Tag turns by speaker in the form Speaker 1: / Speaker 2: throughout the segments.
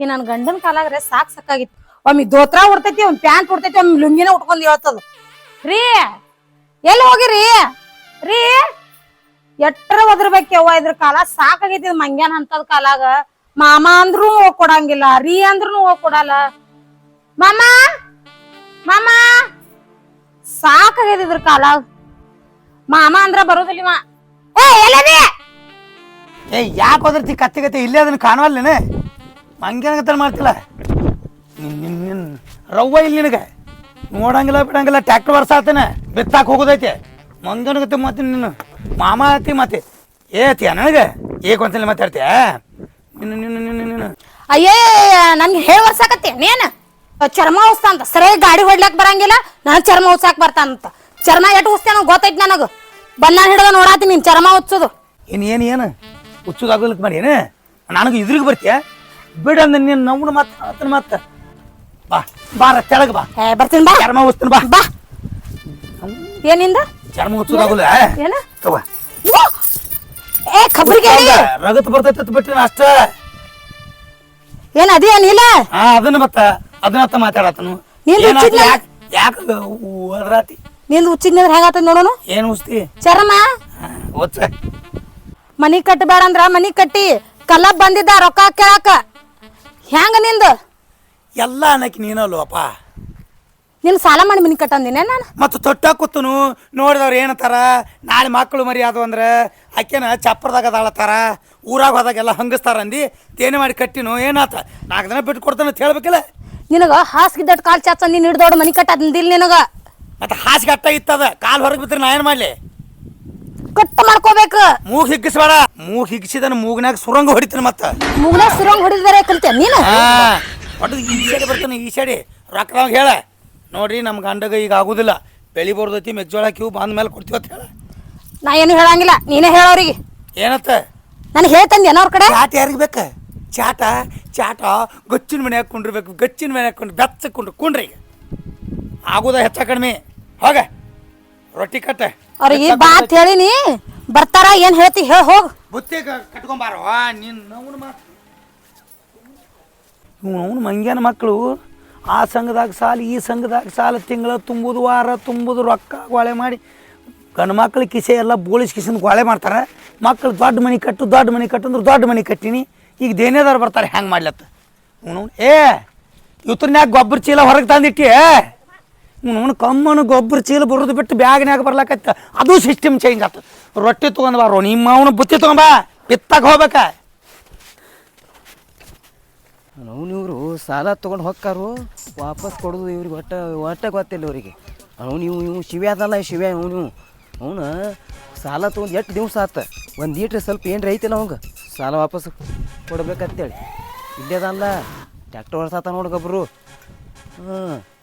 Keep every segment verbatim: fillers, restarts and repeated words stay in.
Speaker 1: ಈ ನನ್ ಗಂಡನ ಕಾಲಾಗ್ರೆ ಸಾಕ್ ಸಾಕಾಗಿತ್ತು. ಒಮ್ಮೆ ದೋತ್ರ ಉಡ್ತೈತಿ, ಒಮ್ಮೆ ಪ್ಯಾಂಟ್ ಉಡ್ತೈತಿ, ಒಮ್ಮೆ ಲುಂಗಿನ ಉಟ್ಕೊಂಡ್ ಹೇಳ್ತದ. ರೀ ಎಲ್ಲಿ ಹೋಗಿರಿ ರೀ? ಎಟ್ರ ಒದರ್ಬೇಕವ್ವ ಇದ್ರ ಕಾಲ ಸಾಕಾಗೈತಿ. ಮಂಗ್ಯಾನ್ ಅಂತದ್ ಕಾಲಾಗ ಮಾಮ ಅಂದ್ರೂ ಹೋಗ್ ಕೊಡಂಗಿಲ್ಲ, ರೀ ಅಂದ್ರೂ ಹೋಗ್ ಕೊಡಲ್ಲ. ಮಾಮ ಮಾಮ ಸಾಕಾಗೈತಿ ಇದ್ರ ಕಾಲಾಗ. ಮಾಮ ಅಂದ್ರ ಬರೋದಿಲ್ಲ. ಏ ಎಲ್ಲದಿ?
Speaker 2: ಏ ಯಾಕೆ ಹೋದ್ರತಿ ಕತ್ತಿ ಕತ್ತಿ ಇಲ್ಲೇ ಅದನ್ನ ಕಾಣವಲ್ಲೇನೆ? ಮಂಗ್ಯಾನಗತ್ತ ಮಾಡ್ತಿಲ್ಲ ನಿನ್ ನಿನ್ ರವ್ವ ಇಲ್ಲಿ ನಿನಗೆ ನೋಡಂಗಿಲ್ಲ ಬಿಡಂಗಿಲ್ಲ. ಟ್ಯಾಕ್ಟರ್ ವರ್ಷ ಆತನ ಬಿತ್ತಾಕ ಹೋಗೋದೈತೆ. ಮಂಗನಗತ್ತೆ ಮತ್ತೆ ನೀನು ಮಾಮ ಆತಿ ಮತ್ತೆ ಏತಿಯ ನನಗೆ ಏಕೊಂತಲ್ಲಿ ಮಾತಾಡ್ತೀಯ ನಿನ್ನ ನಿನ್ನ ನಿನ್ನ ನಿನ್ನ
Speaker 1: ಅಯ್ಯೇ ನನ್ಗೆ ಹೇಳಿ ವರ್ಸಾಕತ್ತಿ ನೀನ್ ಚರ್ಮ ಉಸ್ತ ಅಂತ. ಸರಿಯಾಗಿ ಗಾಡಿ ಹೊಡ್ಲಾಕ್ ಬರಂಗಿಲ್ಲ, ನನಗ್ ಚರ್ಮ ಉತ್ಸಾಕ್ ಬರ್ತಾನಂತ. ಚರ್ಮ ಎಟ್ಟು ಉಸ್ತೇನ ಗೊತ್ತೈತಿ ನನಗ. ಬನ್ನ ಹಿಡ್ದ ನೋಡಾತಿ ನೀನ್ ಚರ್ಮ ಉಚ್ಚೋದು.
Speaker 2: ಏನು ಏನು ಏನು ಹುಚ್ಚುದಾಗಲಿಕ್ಕೆ ಮಾಡಿ ಏನು ನನಗೆ ಇದ್ರಿಗೆ ಬರ್ತೀಯ? ಬಿಡ ಅಂದ ನೀನು ನವ್ನು ಮತ್ತೆ ಆತನ ಮತ್ತೆ ಬಾ ಬಾರ ತೆಳಗ ಬಾ.
Speaker 1: ಏ ಬರ್ತೀನಿ ಬಾ.
Speaker 2: ಚರ್ಮ ಉಸ್ತಾನ ಬಾ
Speaker 1: ಬಾ. ಏನಿಂದ
Speaker 2: ಚರ್ಮ ಹುಚ್ಚುದಾಗಲ್ಲ
Speaker 1: ಏನ
Speaker 2: ತಗೋ.
Speaker 1: ಏ ಖಬ್ರಿಗೆ
Speaker 2: ರಗತ್ ಬರ್ತೈತಿ ಬಿಟ್ರಿ ಅಷ್ಟ.
Speaker 1: ಏನ್ ಅದೇ ನೀಲ
Speaker 2: ಹಾ ಅದನ್ನ ಮತ್ತ ಅದನ್ನತ್ತ ಮಾತಾಡತನು. ಯಾಕ ಒದ್ರಾತಿ
Speaker 1: ನಿಂದು ಉಚ್ಚಿದ್ನಂದ್ರ ಹೆಂಗಾತದ ನೋಡೋನು.
Speaker 2: ಏನ್ ಉಸ್ತಿ
Speaker 1: ಚರ್ಮ
Speaker 2: ಒಚ್ಚ
Speaker 1: ಮನಿ ಕಟ್ಟಬೇಡ ಅಂದ್ರ ಮನಿ ಕಟ್ಟಿ ಕಲ್ಲಬ್ ಬಂದಿದ್ದ ರೊಕ್ಕ ಕೇಳಾಕ. ಹೆಂಗ ನಿಂದ
Speaker 2: ಎಲ್ಲ ಅನ್ನಕ್ಕೆ ನೀನಲ್ವಪ್ಪ.
Speaker 1: ನಿನ್ ಸಾಲ ಮಾಡಿ ಮನಿ ಕಟ್ಟಂದಿನ ನಾನು.
Speaker 2: ಮತ್ತು ತೊಟ್ಟ ಕೂತನು ನೋಡಿದವ್ರು ಏನತ್ತಾರ, ನಾಳೆ ಮಕ್ಕಳು ಮರಿ ಅದು ಅಂದ್ರೆ ಆಕೆನ ಚಪ್ಪರದಾಗ ಅದಾಳತ್ತಾರ, ಊರಾಗ ಹೋದಾಗೆಲ್ಲ ಹಂಗಸ್ತಾರ ಅಂದು ತೇನೆ ಮಾಡಿ ಕಟ್ಟಿನು. ಏನಾತ ನಾಲ್ಕು ದಿನ ಬಿಟ್ಟು ಕೊಡ್ತಾನೆ ಅಂತ ಹೇಳ್ಬೇಕಿಲ್ಲ.
Speaker 1: ನಿನಗ ಹಾಸಿಗಿದ್ದಟ್ ಕಾಲ್ ಚಾಚ ನೀನ್ ಹಿಡ್ದೋಡ್ ಮನಿ ಕಟ್ಟದಿಲ್ಲ ನಿನಗ.
Speaker 2: ಮತ್ತೆ ಹಾಸಿಗೆ ಅಟ್ಟ ಇತ್ತದ ಕಾಲು ಹೊರಗೆ ಬಿದ್ರೆ ನಾ ಏನು ಮಾಡಲಿ?
Speaker 1: ಕಟ್ಟ ಮಾಡ್ಕೋಬೇಕು.
Speaker 2: ಮೂಗ್ ಹಿಗ್ಗಿಸ್ಬೇಡ. ಮೂಗ್ ಹಿಗ್ಸಿದನ ಮೂಗ್ನಾಗ ಸುರಂಗ ಹೊಡಿತಾನೆ. ಮತ್ತೆ
Speaker 1: ಮೂಗ್ನ ಸುರಂಗ್ ಹೊಡಿದಾರೆ ಕಲ್ತೇನೆ ನೀನು.
Speaker 2: ಒಟ್ಟು ಈ ಸೈಡ್ ಬರ್ತಾನೆ ಈ ಸೈಡಿ ರೊಕ್ಕದಾಗ ಹೇಳ ನೋಡ್ರಿ ನಮ್ಮ ಗಂಡಗ ಈಗ ಆಗುದಿಲ್ಲ, ಬೆಳಿ ಬರ್ದೈತಿ ಮೆಕ್ಜೋಳ ಕ್ಯೂ ಬಂದ ಮೇಲೆ ಕೊಡ್ತೀವಿ ಅಂತ ಹೇಳ.
Speaker 1: ನಾ ಏನು ಹೇಳಂಗಿಲ್ಲ, ನೀನೇ ಹೇಳೋರಿಗೆ.
Speaker 2: ಏನತ್ತ
Speaker 1: ನನಗೆ ಹೇಳ್ತಂದಿ ಏನೋ ಅವ್ರ ಕಡೆ.
Speaker 2: ಚಾಟ ಯಾರಿಗೆ ಬೇಕ? ಚಾಟ ಚಾಟ ಗಚ್ಚಿನ ಮನೆ ಹಾಕೊಂಡಿರ್ಬೇಕು. ಗಚ್ಚಿನ ಮನೆ ಹಾಕೊಂಡು ಬೆಚ್ಚಕೊಂಡು ಕುಂಡ್ರಿ. ಈಗ ಆಗುದ ಹೆಚ್ಚ ಕಡಿಮೆ. ಹೋಗ ರೊಟ್ಟಿ ಕಟ್ಟ
Speaker 1: ಅವ್ರಿಗೆ ಬಾತ್ ಹೇಳಿನಿ, ಬರ್ತಾರ. ಏನ್ ಹೇಳ್ತಿ ಹೇಳ ಹೋಗ್.
Speaker 2: ಬುತ್ತಿ ಕಟ್ಕೊಂಬಾರ ನೀನು ಅವನು ಮಾತು. ಇವ್ ಅವನು ಮಂಗ್ಯಾನ ಮಕ್ಕಳು ಆ ಸಂಘದಾಗ ಸಾಲ ಈ ಸಂಘದಾಗ ಸಾಲ ತಿಂಗಳ ತುಂಬುದು ವಾರ ತುಂಬುದು ರೊಕ್ಕ ಗೋಳೆ ಮಾಡಿ ಗಂಡು ಮಕ್ಳ ಕಿಸೆ ಎಲ್ಲ ಬೋಳಿಸ್ ಕಿಸಿಂದ ಗೋಳೆ ಮಾಡ್ತಾರೆ. ಮಕ್ಕಳು ದೊಡ್ಡ ಮನೆ ಕಟ್ಟು ದೊಡ್ಡ ಮನೆ ಕಟ್ಟು ಅಂದ್ರೆ ದೊಡ್ಡ ಮನೆ ಕಟ್ಟಿನಿ. ಈಗ ದೇನೇದಾರು ಬರ್ತಾರೆ ಹೆಂಗೆ ಮಾಡ್ಲತ್ತ ಅವನು. ಏ ಇವತ್ತನ್ಯಾಗ ಗೊಬ್ಬರ ಚೀಲ ಹೊರಗೆ ತಂದಿಟ್ಟಿ ಅವನು ಕಮ್ಮನು ಗೊಬ್ಬರ ಚೀಲ ಬರೋದು ಬಿಟ್ಟು ಬ್ಯಾಗ್ನ್ಯಾಗ ಬರ್ಲಾಕತ್ತ. ಅದು ಸಿಸ್ಟಮ್ ಚೇಂಜ್ ಆಯ್ತು. ರೊಟ್ಟಿ ತೊಗೊಂಡು ಬಾರೋ ನಿಮ್ಮ ಅವನು ಬುತ್ತಿ ತೊಗೊಂಬ ಬಿತ್ತಾಗ ಹೋಗ್ಬೇಕ.
Speaker 3: ಅವ್ನು ಇವರು ಸಾಲ ತೊಗೊಂಡು ಹೊಕ್ಕಾರು ವಾಪಸ್ ಕೊಡೋದು ಇವ್ರಿಗೆ ಒಟ್ಟ ಒಟ್ಟ ಗೊತ್ತಿಲ್ಲ ಇವರಿಗೆ. ಅವ್ನು ಇವು ಇವು ಶಿವೆ ಅದಲ್ಲ ಶಿವೆ ಅವನು ಅವನು ಸಾಲ ತೊಗೊಂಡು ಎಷ್ಟು ದಿವ್ಸ ಆತ. ಒಂದು ಈಟ್ರೆ ಸ್ವಲ್ಪ ಏನು ರೈತಿಲ್ಲ ಅವಂಗೆ ಸಾಲ ವಾಪಸ್ ಕೊಡ್ಬೇಕಂತೇಳಿ. ಇಲ್ಲೇ ಅದಲ್ಲ ಟ್ಯಾಕ್ಟರ್ ಹೊಡ್ಸಾತ ನೋಡಿ ಗೊಬ್ಬರು. ಹ್ಞೂ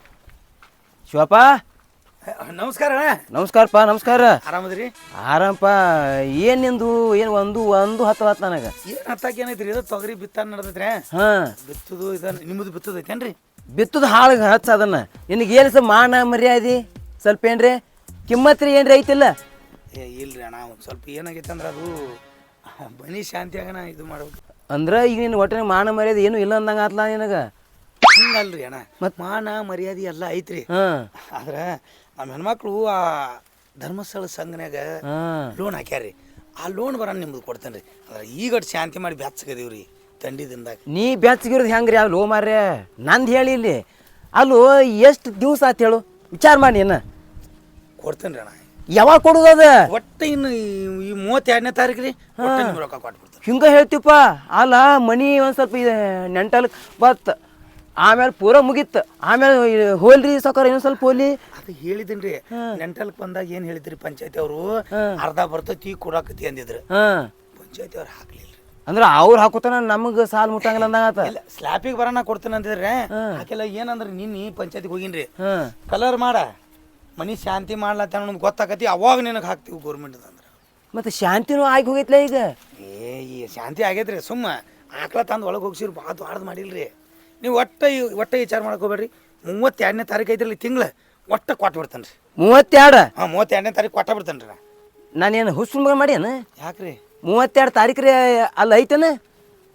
Speaker 3: ಶಿವಪ್ಪ
Speaker 2: ನಮಸ್ಕಾರ.
Speaker 3: ನಮಸ್ಕಾರಪ್ಪ. ನಮಸ್ಕಾರ.
Speaker 2: ಆರಾಮದ್ರಿ?
Speaker 3: ಆರಾಮಪ್ಪ. ಏನು ನಿಂದು ಏನು ಒಂದು ಒಂದು ಹತ್ತು ಹತ್ತು ನನಗೆ
Speaker 2: ಏನು ಹತ್ತಾಕ ಏನೈತ್ರಿ? ಇದು ತೊಗರಿ ಬಿತ್ತಾನ ನಡೆದೈತ್ರಿ.
Speaker 3: ಹಾಂ
Speaker 2: ಬಿತ್ತದು ಇದ ನಿಮ್ಮದು ಬಿತ್ತದೈತೇನ್ರಿ?
Speaker 3: ಬಿತ್ತದ ಹಾಳಿಗೆ ಹಚ್ಚ ಅದನ್ನು. ನಿನಗೆ ಏನು ಸ್ವಲ್ಪ ಮಾನ ಮರ್ಯಾದೆ ಸ್ವಲ್ಪ ಏನ್ರಿ ಕಿಮ್ಮತ್ರಿ ಏನ್ರಿ ಐತಿಲ್ಲ?
Speaker 2: ಏ ಇಲ್ರಿ ಅಣ್ಣ, ಒಂದು ಸ್ವಲ್ಪ ಏನಾಗೈತೆ ಅಂದ್ರೆ ಅದು ಬನ್ನಿ ಶಾಂತಿ ಆಗಣ ಇದು ಮಾಡ್ಬೇಕು
Speaker 3: ಅಂದ್ರೆ ಈಗ ನಿನ್ನ ಒಟ್ಟಿನ ಮಾನ ಮರ್ಯಾದೆ ಏನು ಇಲ್ಲ ಅಂದಂಗೆ ಆತ್ಲ ನಿನಗೆ.
Speaker 2: ಹಂಗಲ್ರಿ ಅಣ್ಣ, ಮತ್ತು ಮಾನ ಮರ್ಯಾದೆ ಎಲ್ಲ ಐತ್ರಿ.
Speaker 3: ಹಾಂ
Speaker 2: ಆದ್ರೆ ನಮ್ಮ ಹೆಣ್ಮಕ್ಳು ಆ ಧರ್ಮಸ್ಥಳ ಸಂಘನ್ಯಾಗ ಲೋನ್ ಹಾಕ್ಯಾರ್ರಿ. ಆ ಲೋನ್ ಬರೋಣ ನಿಮ್ದು ಕೊಡ್ತೇನೆ ರೀ. ಅಂದ್ರೆ ಈಗ ಶಾಂತಿ ಮಾಡಿ ಬೆಚ್ಚಗದೀವಿ ರೀ ತಂಡಿ ದಿನದಾಗ.
Speaker 3: ನೀ ಬೆಚ್ಚಗಿರೋದು ಹೆಂಗೆ ರೀ ಅಲ್ಲೋ ಮಾರ್ರೆ? ನಂದು ಹೇಳಿ ಇಲ್ಲಿ ಅಲ್ಲೋ ಎಷ್ಟು ದಿವ್ಸ ಆತು ಹೇಳು ವಿಚಾರ ಮಾಡಿ. ಏನು
Speaker 2: ಕೊಡ್ತೇನೆ ರೀ ಅಣ್ಣ.
Speaker 3: ಯಾವಾಗ ಕೊಡೋದು ಅದ?
Speaker 2: ಒಟ್ಟು ಇನ್ನು ಈ ಮೂವತ್ತೆರಡನೇ ತಾರೀಕು ರೀ ನಿಮ್ಮ ರೊಕ್ಕ ಕೊಟ್ಬಿಡ್ತೇನೆ.
Speaker 3: ಹಿಂಗೆ ಹೇಳ್ತೀವಪ್ಪ. ಅಲ್ಲ ಮನಿ ಒಂದು ಸ್ವಲ್ಪ ನೆಂಟಲ್ ಬತ್ ಆಮೇಲೆ ಪೂರ ಮುಗೀತು. ಆಮೇಲೆ ಹೋಲ್ರಿ ಸಾಕಾರ ಇನ್ನೊಂದು ಸ್ವಲ್ಪ ಹೋಲಿ
Speaker 2: ಅದು ಹೇಳಿದ್ದೀನಿ ರೀ. ನೆಂಟಲ್ಕ್ ಬಂದಾಗ ಏನು ಹೇಳಿದ್ರಿ ಪಂಚಾಯತಿ ಅವರು ಅರ್ಧ ಬರ್ತೈತಿ ಕೊಡಾಕತಿ ಅಂದಿದ್ರು.
Speaker 3: ಹಾಂ
Speaker 2: ಪಂಚಾಯತಿ ಅವ್ರು ಹಾಕ್ಲಿಲ್ಲ.
Speaker 3: ಅಂದ್ರೆ ಅವ್ರು ಹಾಕೋತಾನ ನಮಗೆ ಸಾಲ ಮುಟ್ಟಂಗಿಲ್ಲ ಅಂದಂಗ.
Speaker 2: ಇಲ್ಲ ಸ್ಲ್ಯಾಪಿಗೆ ಬರೋಣ ಕೊಡ್ತೇನೆ ಅಂತಿದ್ರೆ ಆಕೆಲ್ಲ ಏನಂದ್ರೆ ನಿನ್ನೆ ಪಂಚಾಯತಿಗೆ ಹೋಗಿನ್ರಿ.
Speaker 3: ಹಾಂ
Speaker 2: ಕಲರ್ ಮಾಡ ಮನಿ ಶಾಂತಿ ಮಾಡ್ಲತ್ತ ಅನ್ನೋದು ಗೊತ್ತಾಕತಿ ಅವಾಗ ನಿನಗೆ ಹಾಕ್ತೀವಿ ಗೌರ್ಮೆಂಟ್ ಅಂದ್ರೆ.
Speaker 3: ಮತ್ತೆ ಶಾಂತಿನೂ ಆಗಿ ಹೋಗೈತ್ಲ ಈಗ.
Speaker 2: ಏ ಈ ಶಾಂತಿ ಆಗೈತ್ರಿ. ಸುಮ್ಮ ಆಕಳ ತಂದು ಒಳಗೆ ಹೋಗ್ಸಿರಿ ಭಾಳ ದೊಡ್ಡದು ಮಾಡಿಲ್ರಿ ನೀವು. ಒಟ್ಟ ಒಟ್ಟ ವಿಚಾರ ಮಾಡ್ಕೋಬೇಡ್ರಿ. ಮೂವತ್ತೆರಡನೇ ತಾರೀಕು ಐತ್ರಿ ತಿಂಗಳ ಒಟ್ಟ ಕೊಟ್ಬಿಡ್ತಾನೆ ರೀ.
Speaker 3: ಮೂವತ್ತೆರಡು
Speaker 2: ಹಾಂ ಮೂವತ್ತೆರಡನೇ ತಾರೀಕು ಕೊಟ್ಟ ಬಿಡ್ತಾನೆ ರೀ.
Speaker 3: ನಾನೇನು ಹುಸ್ಸು ಮಗ ಮಾಡ್ಯಾನ?
Speaker 2: ಯಾಕ್ರಿ?
Speaker 3: ಮೂವತ್ತೆರಡು ತಾರೀಕು ರೀ ಅಲ್ಲಿ ಐತನ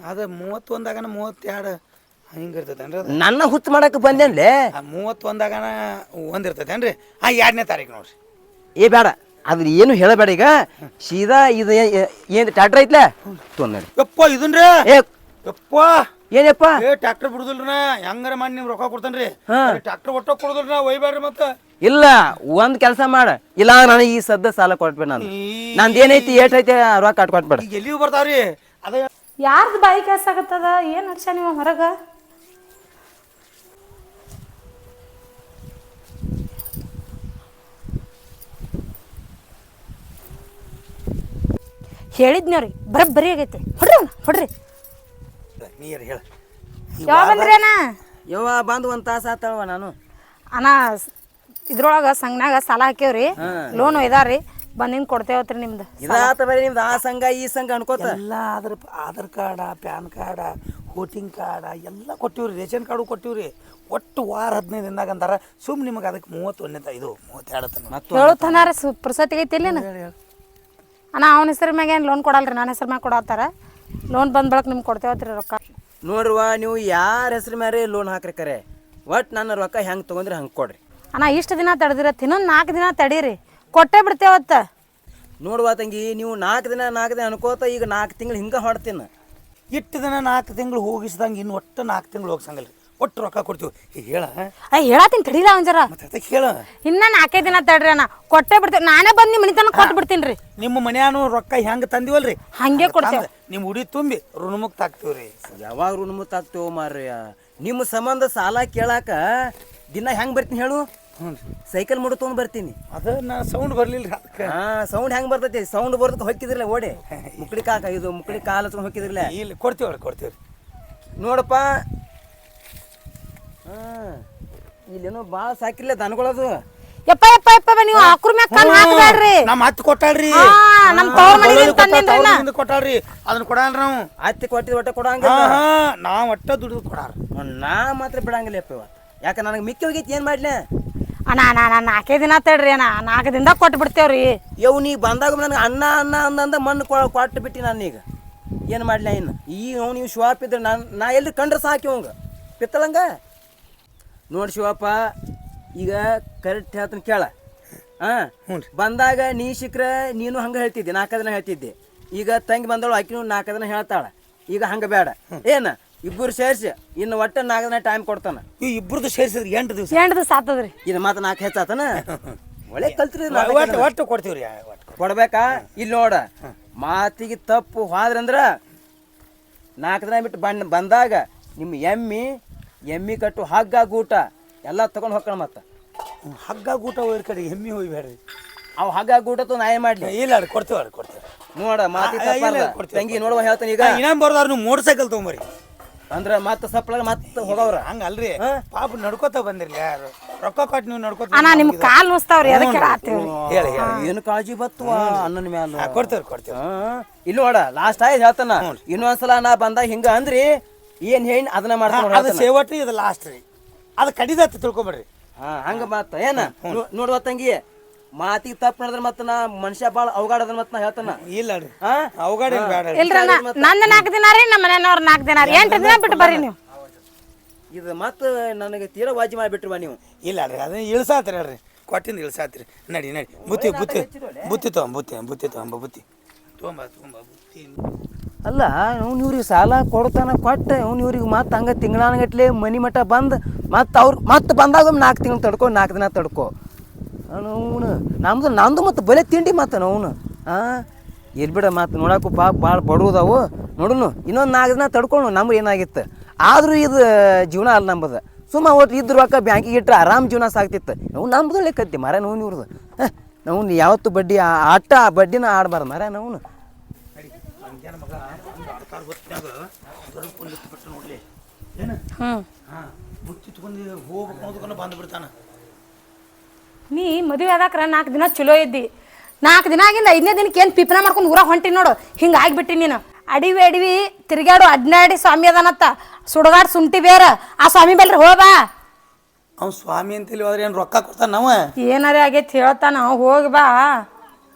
Speaker 2: ಅದು ಮೂವತ್ತೊಂದಾಗನ ಮೂವತ್ತೆರಡು ಹಿಂಗೆ ಇರ್ತೈತೇನ್ರಿ ಅದು
Speaker 3: ನನ್ನ ಹುಚ್ಚು ಮಾಡಕ್ಕೆ ಬಂದೇನ್ಲೇ.
Speaker 2: ಆ ಮೂವತ್ತೊಂದಾಗನ ಒಂದು ಇರ್ತೈತೇನ್ರಿ ಹಾಂ ಎರಡನೇ ತಾರೀಕು ನೋಡ್ರಿ.
Speaker 3: ಏ ಬೇಡ ಅದ್ರ ಏನು ಹೇಳಬೇಡ ಈಗ ಸೀದಾ ಇದು ಏನು ಟ್ಯಾಕ್ಟ್ರ್ ಐತ್ಲೆ ತೊಂದಡಿ.
Speaker 2: ಯಪ್ಪ ಇದನ್ರಿ
Speaker 3: ಏ
Speaker 2: ಯಪ್ಪ
Speaker 3: ಏನಪ್ಪ
Speaker 2: ಏ ಟ್ರ್ಯಾಕ್ಟರ್ ಬಿಡುದಿಲ್ರಿ ನಾ ಹೆಂಗಾರ ಮಾಡಿ ನಿಮ್ಗೆ ರೊಕ್ಕ ಕೊಡ್ತೇನ್ರಿ.
Speaker 3: ಹಾ.
Speaker 2: ಟ್ರ್ಯಾಕ್ಟರ್ ಒಟ್ಟ ಕೊಡುದಿಲ್ರಿ ನಾ ಒಯ್ಬೇಡ್ರಿ ಮತ್ತೆ.
Speaker 3: ಇಲ್ಲ ಒಂದ್ ಕೆಲಸ ಮಾಡ ಇಲ್ಲ ನನಗೆ ಈ ಸದ್ದ ಸಾಲ ಕೊಟ್ಬೇಡ ನಾನು ನಂದು ಏನೈತಿ ಏಟ್ ಐತಿ ರೊಕ್ಕ ಕಟ್ ಕೊಟ್ಬೇಡ.
Speaker 2: ಈಗ ಎಲ್ಲಿಗೂ ಬರ್ತಾವ್ರಿ ಅದ
Speaker 1: ಯಾರ್ದು ಬಾಯಿ ಕೆಲಸ ಆಗತ್ತದ ಏನ್ ಹರ್ಷ ನೀವು ಹೊರಗ ಹೇಳಿದ್ನವ್ರಿ ಬರಬ್ಬರಿ ಆಗೈತಿ ಹೊಡ್ರಿ ಅವ್ನ ಹೊಡ್ರಿ.
Speaker 2: ನೀರು ಹೇಳ
Speaker 1: ಯಾವ ಬಂದ್ರಿ ಅಣ್ಣ?
Speaker 3: ಯವ್ವ ಬಂದು ಒಂದ್ ತಾಸ ಆತವ ನಾನು
Speaker 1: ಅಣ್ಣ ಇದ್ರೊಳಗ ಸಂಘನಾಗ ಸಾಲ ಹಾಕ್ಯವ್ರಿ ಲೋನ್ ಒಯ್ದಾರ್ರಿ ಬಂದಿನ್ ಕೊಡ್ತೇವತ್ರಿ ನಿಮ್ದು.
Speaker 3: ಇದಾತ ಬರೀ ನಿಮ್ದು ಆ ಸಂಘ ಈ ಸಂಘ ಅನ್ಕೋತ
Speaker 2: ಎಲ್ಲ ಅದ್ರ Aadhaar card PAN card voting card ಎಲ್ಲ ಕೊಟ್ಟಿವ್ರಿ ರೇಷನ್ ಕಾರ್ಡು ಕೊಟ್ಟಿವ್ರಿ. ಒಟ್ಟು ವಾರ ಹದಿನೈದು ದಿನದಾಗ ಅಂತಾರ ಸುಮ್ ನಿಮಗೆ ಅದಕ್ಕೆ ಮೂವತ್ತೊಂದನೇ ಇದು ಮೂವತ್ತೆರಡು ತನ
Speaker 1: ಹೇಳುತ್ತಾರ ಪುರ್ಸತಿ ಐತಿ ಇಲ್ಲೇನ ಅಣ್ಣ ಅವನ ಹೆಸರು ಮ್ಯಾಗ ಏನು ಲೋನ್ ಕೊಡಲ್ರಿ ನನ್ನ ಹೆಸರು ಮ್ಯಾಗ ಕೊಡತ್ತಾರ. ಲೋನ್ ಬಂದ್ ಬಳಕ ನಿಮ್ಗೆ ಕೊಡ್ತೇವತ್ರಿ ರೊಕ್ಕ.
Speaker 3: ನೋಡ್ರಿವ ನೀವು ಯಾರ ಹೆಸ್ರ ಮ್ಯಾರೆ ಲೋನ್ ಹಾಕ್ರಿ ಕರೆ ಒಟ್ಟು ನನ್ನ ರೊಕ್ಕ ಹೆಂಗೆ ತೊಗೊಂಡ್ರಿ ಹಂಗೆ ಕೊಡ್ರಿ.
Speaker 1: ಅಣ್ಣ ಇಷ್ಟು ದಿನ ತಡೆದಿರತ್ತೆ ಇನ್ನೊಂದು ನಾಲ್ಕು ದಿನ ತಡೀರಿ ಕೊಟ್ಟೆ ಬಿಡ್ತೇವತ್ತ.
Speaker 3: ನೋಡುವ ತಂಗಿ ನೀವು ನಾಲ್ಕು ದಿನ ನಾಲ್ಕು ದಿನ ಅನ್ಕೋತ ಈಗ ನಾಲ್ಕು ತಿಂಗಳು ಹಿಂಗೆ ಹೊಡ್ತೀನಿ.
Speaker 2: ಇಟ್ಟು ದಿನ ನಾಲ್ಕು ತಿಂಗಳು ಹೋಗಿಸ್ದಂಗೆ ಇನ್ನು ಒಟ್ಟು ನಾಲ್ಕು ತಿಂಗಳು ಹೋಗ್ಸಂಗಲ್ರಿ ಒಟ್ಟು ರೊಕ್ಕ ಕೊಡ್ತೀವಿ. ಈಗ ಹೇಳ
Speaker 1: ಅಯ್ಯ ಹೇಳತ್ತೀನಿ ತಡೀಲ ಅವನ್ ಜರ
Speaker 2: ಮತ್ತೆ ಅದಕ್ಕೆ ಹೇಳ
Speaker 1: ಇನ್ನ ನಾಲ್ಕೈದು ದಿನ ತಡ್ರಿ ಅಣ್ಣ ಕೊಟ್ಟೆ ಬಿಡ್ತೇವೆ. ನಾನೇ ಬಂದು ನಿಮ್ಮ ಮನಿತನ ಕೊಟ್ಟು ಬಿಡ್ತೀನಿ ರೀ.
Speaker 2: ನಿಮ್ಮ ಮನ್ಯಾನು ರೊಕ್ಕ ಹೆಂಗೆ ತಂದಿವಲ್ರಿ
Speaker 1: ಹಂಗೆ ಕೊಡ್ತೇವೆ.
Speaker 2: ನಿಮ್ಮ ಉಡಿ ತುಂಬಿ ಋಣಮುಕ್ತ ಆಗ್ತೀವ್ರಿ.
Speaker 3: ಯಾವಾಗ ಋಣಮುಕ್ತ ಆಗ್ತೇವ ಮಾರ್ಯ ನಿಮ್ಮ ಸಂಬಂಧ ಸಾಲ ಕೇಳಾಕ ದಿನ ಹೆಂಗೆ ಬರ್ತೀನಿ ಹೇಳು.
Speaker 2: ಹ್ಞೂ
Speaker 3: ಸೈಕಲ್ ಮುಡು ತೊಗೊಂಡು ಬರ್ತೀನಿ.
Speaker 2: ಅದ ನಾ ಸೌಂಡ್ ಬರ್ಲಿಲ್ಲ ರೀ ಅದಕ್ಕೆ.
Speaker 3: ಹಾಂ ಸೌಂಡ್ ಹೆಂಗೆ ಬರ್ತೈತಿ ಸೌಂಡ್ ಬರೋದಕ್ಕೆ ಹೊಕ್ಕಿದ್ರಲ್ಲ ಓಡಿ ಮುಕ್ಳಿ ಕಾಕ ಇದು ಮುಕ್ಳಿ ಕಾಲ ಹಚ್ಕೊಂಡು ಹೊಕ್ಕಿದ್ರಲ್ಲ
Speaker 2: ಇಲ್ಲಿ ಕೊಡ್ತೀವ್ರಿ ಕೊಡ್ತೀವ್ರಿ.
Speaker 3: ನೋಡಪ್ಪ ಹಾಂ ಇಲ್ಲೇನೋ ಭಾಳ ಸಾಕಿಲ್ಲ ದನಗಳದು.
Speaker 1: ಯಪ್ಪ ಯಪ್ಪ ಯಪ್ಪ ನೀವು ಆಕ್ರ ಮ್ಯಾಗ ಕಣ್ ಹಾಕ್ಬೇಡ್ರಿ.
Speaker 2: ನಮ್ಮ ಹತ್ತು ಕೊಟ್ಟಾಳ್ರಿ
Speaker 1: ಹಾ ನಮ್ಮ ತವ್ರ ಮನೆಯಿಂದ ತಂದಿನ್ರಿ ನಾ.
Speaker 2: ಕೊಟ್ಟಾಳ್ರಿ ಅದನ್ನ ಕೊಡಲ್ರಿ ನಾವು.
Speaker 3: ಅತ್ತಿ ಕೊಟ್ಟಿದ್ದು ಒಟ್ಟೆ ಕೊಡಂಗ
Speaker 2: ಹಾ ಹಾ ನಾವು ಒಟ್ಟ ದುಡಿದು ಕೊಡಾರ
Speaker 3: ನಾ ಮಾತ್ರ ಬಿಡಂಗಿಲ್ಲ ಅಪ್ಪ ಇವತ್ತು ಯಾಕೆ ನನಗೆ ಮಿಕ್ಕಿ ಹೋಗೈತಿ ಏನು ಮಾಡ್ಲಿ
Speaker 1: ಅಣ್ಣ ಅಣ್ಣ ಅಣ್ಣ ನಾಲ್ಕೇ ದಿನ ತಡ್ರಿ ಅಣ್ಣ ನಾಲ್ಕು ದಿನದಾಗ ಕೊಟ್ಟು ಬಿಡ್ತೇವ್ರಿ.
Speaker 3: ಯವ್ ನೀ ಬಂದಾಗ ನನಗೆ ಅನ್ನ ಅನ್ನ ಅಂದಂದ ಮಣ್ಣು ಕೊಟ್ಟು ಬಿಟ್ಟು ನಾನೀಗ ಏನು ಮಾಡ್ಲಿ ಇನ್ನು ಈ ಅವ್ನು ನೀವು ಶಿವಪ್ಪ ಇದ್ರೆ ನಾನು ನಾ ಎಲ್ಲಿ ಕಂಡ್ರೆ ಸಾಕಿ ಅವಂಗ ಪಿತ್ತಳಂಗ ನೋಡಿ ಶಿವಪ್ಪ ಈಗ ಕರೆಕ್ಟ್ ಹೇಳ್ತಾನೆ ಕೇಳ ಹಾಂ ಬಂದಾಗ ನೀ ಸಿಕ್ರೆ ನೀನು ಹಂಗೆ ಹೇಳ್ತಿದ್ದೆ ನಾಲ್ಕು ದಿನ ಹೇಳ್ತಿದ್ದೆ. ಈಗ ತಂಗಿ ಬಂದವಳು ಆಕಿನೂ ನಾಲ್ಕು ದಿನ ಹೇಳ್ತಾಳೆ. ಈಗ ಹಂಗೆ ಬೇಡ ಏನು ಇಬ್ಬರು ಸೇರಿಸಿ ಇನ್ನು ಒಟ್ಟು ನಾಲ್ಕು ದಿನ ಟೈಮ್ ಕೊಡ್ತಾನೆ.
Speaker 2: ಈ ಇಬ್ಬರದು ಸೇರಿಸಿದ್ರೆ ಎಂಟು ದಿವಸ
Speaker 1: ಎಂಟು ದಿವಸ ಆತದ್ರಿ.
Speaker 3: ಇದು ಮಾತು ನಾಲ್ಕು ಹೆಚ್ಚಾತನ ಒಳ್ಳೆ ಕಲ್ತ್ರಿ
Speaker 2: ಒಟ್ಟು ಒಟ್ಟು ಕೊಡ್ತೀವ್ರಿ ಒಟ್ಟು
Speaker 3: ಕೊಡ್ಬೇಕಾ. ಇಲ್ಲಿ ನೋಡ ಮಾತಿಗೆ ತಪ್ಪು ಹೋದ್ರಂದ್ರ ನಾಲ್ಕು ದಿನ ಬಿಟ್ಟು ಬಣ್ಣ ಬಂದಾಗ ನಿಮ್ಮ ಎಮ್ಮಿ ಎಮ್ಮಿ ಕಟ್ಟು ಹಗ್ಗ ಗೂಟ ಎಲ್ಲ ತಗೊಂಡು ಹೋಗೋಣ ಮತ್ತೆ
Speaker 2: ಹಗ್ಗ ಗೂಟ ಹೋಯ್ರ ಕಡೆ ಎಮ್ಮಿ ಹೋಗ್ಬೇಡ್ರಿ.
Speaker 3: ಅವು ಹಗ್ಗ ಗೂಟ ತು ನಾ ಏನ್ ಮಾಡ್ಲಿ
Speaker 2: ಇಲ್ಲ ರೀ ಕೊಡ್ತೀವಿ ಅವ್ರಿ ಕೊಡ್ತೀವಿ.
Speaker 3: ನೋಡ ಮಾತಿ ತಂಗಿ ನೋಡುವ ಹೇಳ್ತಾನೆ ಈಗ
Speaker 2: ಇನ್ನೊಂದು ಬರ್ದಾರ ನೀವು ಮೋಟರ್ ಸೈಕಲ್ ತೊಗೊಂಬರಿ
Speaker 3: ಅಂದ್ರ ಮತ್ತೆ ಸಪ್ಲಾಗ ಮತ್ತೆ ಹೋಗವ್ರ
Speaker 2: ಹಂಗ ಅಲ್ರಿ ಪಾಪ ನಡ್ಕೋತ ಬಂದಿರ್ಲಿ ಯಾರು ರೊಕ್ಕ ಕೊಟ್ಟು ನೀವು ನಡ್ಕೋತ
Speaker 1: ಅಣ್ಣ ನಿಮ್ ಕಾಲ್ ನುಸ್ತಾವ್ರಿ ಅದಕ್ಕೆ ಹೇಳತ್ತೀವ್ರಿ.
Speaker 2: ಹೇಳಿ
Speaker 3: ಏನು ಕಾಳಜಿ ಬತ್ತುವ ಅನ್ನನ ಮ್ಯಾಲ
Speaker 2: ಕೊಡ್ತೇವ್ರಿ ಕೊಡ್ತೇವೆ.
Speaker 3: ಇಲ್ಲಿ ನೋಡ ಲಾಸ್ಟ್ ಆಯ್ತು ಹೇಳ್ತಾನ ಇನ್ನೊಂದ್ಸಲ ನಾ ಬಂದಾಗ ಹಿಂಗ ಅಂದ್ರಿ ಏನ್ ಹೇಳಿ ಅದನ್ನ ಮಾಡ್ತಾನ
Speaker 2: ಅದು ಸೇವಟ್ರಿ ಇದು ಲಾಸ್ಟ್ ರೀ ಅದು ಕಡಿದತ್ತ ತಿಳ್ಕೊಂಬಿಡ್ರಿ.
Speaker 3: ಹಾ ಹಂಗ ಮಾತ ಏನ ನೋಡುವ ತಂಗಿ ಮಾತಿಗೆ ತಪ್ಪು ನಡೆದ್ರೆ ಮತ್ತ ನಾ ಮನುಷ್ಯ ಬಾಳ ಅವಗಾಡದ ಮತ್ತ ನಾ ಹೇಳ್ತಾನ
Speaker 2: ಇಲ್ಲ ರೀ ಅವಗಾಡ ಬೇಡ
Speaker 1: ಇಲ್ರಿ ನಂದು ನಾಲ್ಕು ದಿನ ರೀ ನಮ್ಮ ಮನೆಯವ್ರ ನಾಲ್ಕು ದಿನ ರೀ ಎಂಟು ದಿನ ಬಿಟ್ಟು ಬರ್ರಿ ನೀವು.
Speaker 3: ಇದು ಮತ್ತ ನನಗೆ ತೀರಾ ವಾಜಿ ಮಾಡಿಬಿಟ್ರುವ ನೀವು.
Speaker 2: ಇಲ್ಲ ರೀ ಅದನ್ನ ಇಳ್ಸಾತ್ರಿ ಹೇಳ್ರಿ ಕೊಟ್ಟಿಂದ ಇಳ್ಸಾತ್ರಿ. ನಡಿ ನಡಿ ಬುತ್ತಿ ಬುತ್ತಿ ಬುತ್ತಿ ತೊಗೊಂಬ ಬುತ್ತಿ ಬುತ್ತಿ ತೊಗೊಂಬ ಬುತ್ತಿ ತೊಗೊಂಬ ತೊಗೊಂಬ ಬುತ್ತಿ.
Speaker 3: ಅಲ್ಲ ಅವ್ನು ಇವ್ರಿಗೆ ಸಾಲ ಕೊಡ್ತಾನ ಕೊಟ್ಟ ಅವ್ನು ಇವ್ರಿಗೆ ಮತ್ತೆ ಹಂಗೆ ತಿಂಗಳಾನಗಟ್ಲೆ ಮನಿ ಮಠ ಬಂದು ಮತ್ತೆ ಅವ್ರು ಮತ್ತೆ ಬಂದಾಗ ನಾಲ್ಕು ತಿಂಗಳು ತಡ್ಕೊ ನಾಲ್ಕು ದಿನ ತಡ್ಕೊ ಅವನು ನಮ್ದು ನಮ್ದು ಮತ್ತು ಬಲೆ ತಿಂಡಿ ಮತ್ತೆ ಅವನು ಹಾಂ ಎಲ್ಲಿ ಬಿಡ ಮತ್ತೆ ನೋಡಕ್ಕೂ ಪಾಪ ಭಾಳ ಬಡವುದಾವು ನೋಡುನು ಇನ್ನೊಂದು ನಾಲ್ಕು ದಿನ ತಡ್ಕೊಂಡು ನಮ್ಗೆ ಏನಾಗಿತ್ತು ಆದರೂ ಇದು ಜೀವನ ಅಲ್ಲ ನಂಬದು ಸುಮ್ಮ ಒಟ್ಟು ಇದ್ರ ರೊಕ್ಕ ಬ್ಯಾಂಕಿಗೆ ಇಟ್ಟರೆ ಆರಾಮ್ ಜೀವನ ಸಾಕ್ತಿತ್ತು ನಾವು ನಮ್ದು ಲೆಕ್ಕತ್ತಿ ಮರ ನೋವು ಇವ್ರದ್ದು ನಾವು ಯಾವತ್ತು ಬಡ್ಡಿ ಆಟ ಬಡ್ಡಿನ ಆಡಬಾರ್ದು ಮರ ನಾವು
Speaker 2: ನೋಡ್ಲಿ
Speaker 1: ಹ್ಮ್
Speaker 2: ಬುತ್ತಿ ತಗೊಂಡು ಹೋಗ್ಬೇಕು ಬಂದು ಬಿಡ್ತಾನ.
Speaker 1: ನೀ ಮದುವೆ ಆದಾಕ್ರ ನಾಲ್ಕು ದಿನ ಚಲೋ ಇದ್ದಿ ನಾಲ್ಕು ದಿನ ಆಗಿಂದ ಐದನೇ ದಿನಕ್ಕೆ ಏನು ಪಿಪ್ನ ಮಾಡ್ಕೊಂಡು ಊರಾಗ ಹೊಂಟಿ ನೋಡು ಹಿಂಗೆ ಆಗಿಬಿಟ್ಟಿ ನೀನು. ಅಡಿವಿ ಅಡಿವಿ ತಿರ್ಗಾಡು ಅಡ್ನಾಡಿ ಸ್ವಾಮಿ ಅದಾನತ್ತ ಸುಡಗಾಡ್ ಸುಂಟಿ ಬೇರ ಆ ಸ್ವಾಮಿ ಬಲ್ರಿ ಹೋಬಾ.
Speaker 2: ಅವ್ನು ಸ್ವಾಮಿ ಅಂತೇಳಿ ಹೋದ್ರೆ ಏನು ರೊಕ್ಕ ಕೊಡ್ತಾನ ನಾವು
Speaker 1: ಏನಾರೇ ಆಗೈತಿ ಹೇಳ್ತಾನ ಹೋಗಿ ಬಾ.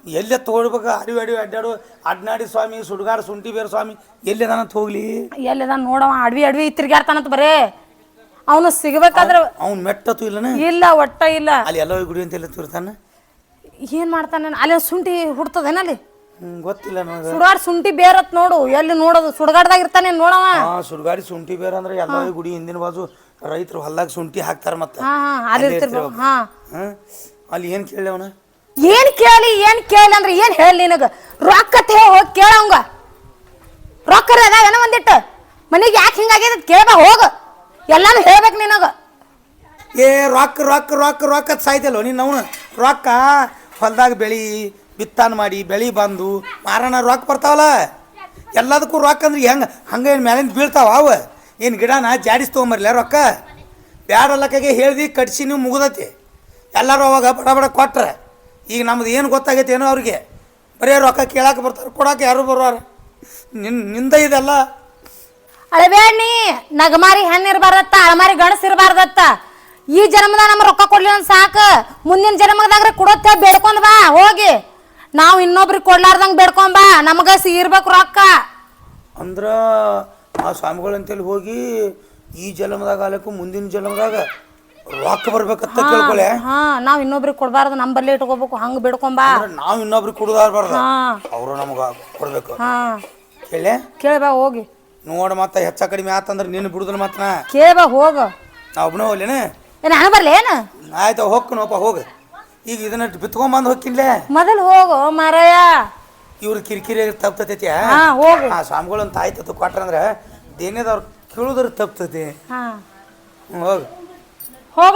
Speaker 2: ಎಲ್ಲೇ ತಗೊಳ್ಬೇಕು ಅಡಿವಿ ಅಡಿವಿ ಅಡ್ಡಾಡು ಅಡ್ನಾಡಿ ಸ್ವಾಮಿ ಸುಡ್ಗಾಡು ಶುಂಠಿ ಬೇರೆ ಸ್ವಾಮಿ ಎಲ್ಲೇದಾನಂತ ಹೋಗ್ಲಿ
Speaker 1: ಎಲ್ಲಿದ ನೋಡವ ಅಡ್ವಿ ಅಡ್ವಿ ತಿರ್ಗಾಡ್ತಾನಂತ ಬರೇ ಅವನು ಸಿಗ್ಬೇಕಾದ್ರೆ
Speaker 2: ಅವ್ನು ಮೆಟ್ಟತು ಇಲ್ಲನ
Speaker 1: ಇಲ್ಲ ಒಟ್ಟ ಇಲ್ಲ
Speaker 2: ಅಲ್ಲಿ ಎಲ್ಲ ಗುಡಿ ಅಂತ ಎಲ್ಲ ತಿರ್ತಾನ
Speaker 1: ಏನ್ ಮಾಡ್ತಾನೆ ಅಲ್ಲಿ ಶುಂಠಿ ಹುಡ್ತದೇನ ಅಲ್ಲಿ
Speaker 2: ಹ್ಞೂ ಗೊತ್ತಿಲ್ಲ ನನಗೆ
Speaker 1: ಸುಡಾಡ್ ಶುಂಠಿ ಬೇರತ್ ನೋಡು ಎಲ್ಲಿ ನೋಡೋದು ಸುಡ್ಗಾಡ್ದಾಗ ಇರ್ತಾನೆ ನೋಡವ
Speaker 2: ಹಾಂ ಸುಡ್ಗಾಡಿ ಶುಂಠಿ ಬೇರೆ ಅಂದ್ರೆ ಎಲ್ಲ ಗುಡಿ ಹಿಂದಿನ ಬಾಜು ರೈತರು ಹೊಲ್ದಾಗ ಶುಂಠಿ ಹಾಕ್ತಾರ ಮತ್ತೆ
Speaker 1: ಹಾ ಹಾ ಅಲ್ಲಿ ಇರ್ತಿರ್ಬೇಕು ಹಾ
Speaker 2: ಹಾಂ ಅಲ್ಲಿ ಏನು ಕೇಳಿ ಅವನ
Speaker 1: ಏನ್ ಕೇಳಿ ಏನ್ ಕೇಳಿ ಅಂದ್ರೆ ಏನ್ ಹೇಳಿ ನಿನಗ ರೊಕ್ಕ ತೇ ಹೋಗಿ ಕೇಳವಂಗ ರೊಕ್ಕ ಅದಾವೇನ ಒಂದಿಟ್ಟು ಮನೆಗೆ ಯಾಕೆ ಹಿಂಗಾಗ್ಯದ ಕೇಳ ಹೋಗ ಎಲ್ಲಾನು ಹೇಳ್ಬೇಕು ನಿನಗ
Speaker 2: ಏ ರೊಕ್ಕ ರೊಕ್ಕ ರೊಕ್ಕ ರೊಕ್ಕ ಸಾಯ್ತಲ್ವ ನೀನು ಅವನು ರೊಕ್ಕ ಹೊಲ್ದಾಗ ಬೆಳಿ ಬಿತ್ತಾನ ಮಾಡಿ ಬೆಳಿ ಬಂದು ಮಾರಣ ರೊಕ್ಕ ಬರ್ತಾವಲ್ಲ ಎಲ್ಲದಕ್ಕೂ ರೊಕ್ಕ ಅಂದ್ರೆ ಹೆಂಗೆ ಹಂಗೆ ಏನು ಮ್ಯಾಲಿಂದ ಬೀಳ್ತಾವ ಅವ ಏನು ಗಿಡನ ಜಾಡಿಸ್ ತೊಗೊಂಬರ್ಲ ರೊಕ್ಕ ಬ್ಯಾಡಲ್ಲಕ್ಕಾಗೆ ಹೇಳ್ದು ಕಟ್ಸಿ ನೀವು ಮುಗ್ದತಿ ಎಲ್ಲರೂ ಅವಾಗ ಬಡ ಬಡ ಕೊಟ್ರೆ ಈಗ ನಮ್ದು ಏನು ಗೊತ್ತಾಗೈತೆ ಏನೋ ಅವ್ರಿಗೆ ಬರೀ ರೊಕ್ಕ ಕೇಳಕ್ಕೆ ಬರ್ತಾರೆ ಕೊಡೋಕೆ ಯಾರು ಬರೋರ ನಿನ್ನ ನಿಂದ ಇದೆಲ್ಲ
Speaker 1: ಅಳಬೇಡ್ನಿ ನಗಮಾರಿ ಹೆಣ್ಣು ಇರಬಾರ್ದತ್ತ ಅಳಮಾರಿ ಗಣಸ್ ಇರಬಾರ್ದತ್ತ ಈ ಜನ್ಮದಾಗ ನಮ್ಮ ರೊಕ್ಕ ಕೊಡ್ಲಿಲ್ಲ ಅಂತ ಸಾಕು ಮುಂದಿನ ಜನ್ಮದಾಗ್ರೆ ಕೊಡೋತ್ತೆ ಬೇಡ್ಕೊಂಡ್ ಬಾ ಹೋಗಿ ನಾವು ಇನ್ನೊಬ್ರಿಗೆ ಕೊಡ್ಲಾರ್ದಂಗೆ ಬೇಡ್ಕೊಂಡ್ ಬಾ ನಮಗ ಇರ್ಬೇಕು ರೊಕ್ಕ
Speaker 2: ಅಂದ್ರೆ ಆ ಸ್ವಾಮಿಗಳಂತೇಳಿ ಹೋಗಿ ಈ ಜನ್ಮದಾಗ ಆಲಕ್ಕೂ ಮುಂದಿನ ಜನ್ಮದಾಗ ರೊಕ್ಕ ಬರ್ಬೇಕಂತ ಕೇಳ್ಕೊಳ್ಳೆ
Speaker 1: ಹಾ ನಾವ್ ಇನ್ನೊಬ್ರಿಗೆ ಕೊಡ್ಬಾರ್ದು ನಮ್ಮ ಬಲ್ಲಿ ಇಟ್ಕೋಬೇಕು ಹಂಗ ಬೇಡ್ಕೊಂಬಾ
Speaker 2: ನಾವು ಇನ್ನೊಬ್ರಿಗೆ ಕೊಡೋದಾರ್ಬಾರ್ದು ಅವರು ನಮ್ಗೆ ಕೊಡ್ಬೇಕು
Speaker 1: ಹಾ
Speaker 2: ಕೇಳೆ
Speaker 1: ಕೇಳ್ಬಾ ಹೋಗಿ
Speaker 2: ನೋಡ ಮತ್ತ ಹೆಚ್ಚ ಕಡಿಮೆ ಆತಂದ್ರೆ ನೀನು ಬಿಡುದಿಲ್ಲ ಮತ್ತ
Speaker 1: ಕೇಳ್ಬಾ ಹೋಗ
Speaker 2: ನಾ ಒಬ್ಬನೇ ಹೋಗ್ಲೇನ
Speaker 1: ನಾನು ಬರ್ಲಿ ಏನು
Speaker 2: ಆಯ್ತು ಹೋಗ್ಕನಪ್ಪ ಹೋಗ ಈಗ ಇದನ್ನ ಬಿತ್ಕೊಂಬಂದು ಹೋಗ್ಕಿನ್ಲೆ
Speaker 1: ಮೊದಲು ಹೋಗು ಮಾರಾಯ
Speaker 2: ಇವ್ರ ಕಿರಿಕಿರಿ ತಪ್ತತೈತಿ
Speaker 1: ಹಾ ಹೋಗು
Speaker 2: ಆ ಸ್ವಾಮಿಗಳು ಅಂತ ಆಯ್ತತ್ತು ಕೊಟ್ರಂದ್ರೆ ದೇನೇದವ್ರು ಕೇಳುದ್ರ ತಪ್ತತಿ
Speaker 1: ಹಾ
Speaker 2: ಹೋಗ
Speaker 1: ಹೋಗ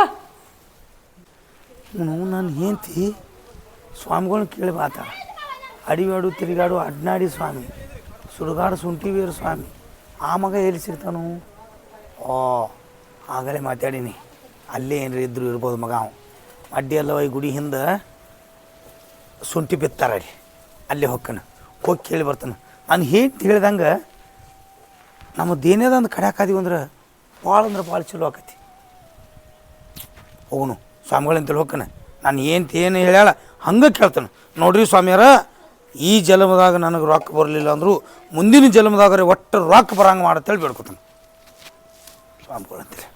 Speaker 2: ನಾವು ನಾನು ಹೆಂಡ್ತಿ ಸ್ವಾಮಿಗಳನ್ನ ಕೇಳಿ ಬಾತ ಅಡಿವಾಡು ತಿರುಗಾಡು ಅಡ್ನಾಡಿ ಸ್ವಾಮಿ ಸುಡುಗಾಡು ಶುಂಠಿ ಬೇರು ಸ್ವಾಮಿ ಆ ಮಗ ಎಲ್ಲಿ ಸಿಗ್ತಾನು ಓ ಆಗಲೇ ಮಾತಾಡೀನಿ ಅಲ್ಲೇ ಏನ್ರಿ ಇದ್ರು ಇರ್ಬೋದು ಮಗ ಅವ ಅಡ್ಡಿ ಅಲ್ಲವ ಈ ಗುಡಿ ಹಿಂದೆ ಶುಂಠಿ ಬಿತ್ತಾರ ಅಲ್ಲಿ ಅಲ್ಲೇ ಹೊಕ್ಕನ ಹೋಗಿ ಕೇಳಿ ಬರ್ತಾನೆ ನಾನು ಹೆಂಡ್ತಿ ಹೇಳ್ದಂಗೆ ನಮ್ಮದು ಏನೇದಂದು ಕಡ್ಯಾಕಾದೀವಿ ಅಂದ್ರೆ ಭಾಳ ಅಂದ್ರೆ ಭಾಳ ಚಲೋ ಆಕತಿ ಹೋಗುನು ಸ್ವಾಮಿಗಳಂತೇಳಿ ಹೋಗ್ತಾನೆ ನಾನು ಏನು ಏನು ಹೇಳ್ಯಾಳ ಹಂಗೆ ಕೇಳ್ತಾನೆ ನೋಡ್ರಿ ಸ್ವಾಮಿಯಾರ ಈ ಜನ್ಮದಾಗ ನನಗೆ ರೊಕ್ಕ ಬರಲಿಲ್ಲ ಅಂದರೂ ಮುಂದಿನ ಜನ್ಮದಾಗ ಒಟ್ಟು ರೊಕ್ಕ ಬರಂಗೆ ಮಾಡತ್ತೇಳಿ ಬೇಡ್ಕೊತಾನೆ ಸ್ವಾಮಿಗಳಂತೇಳಿ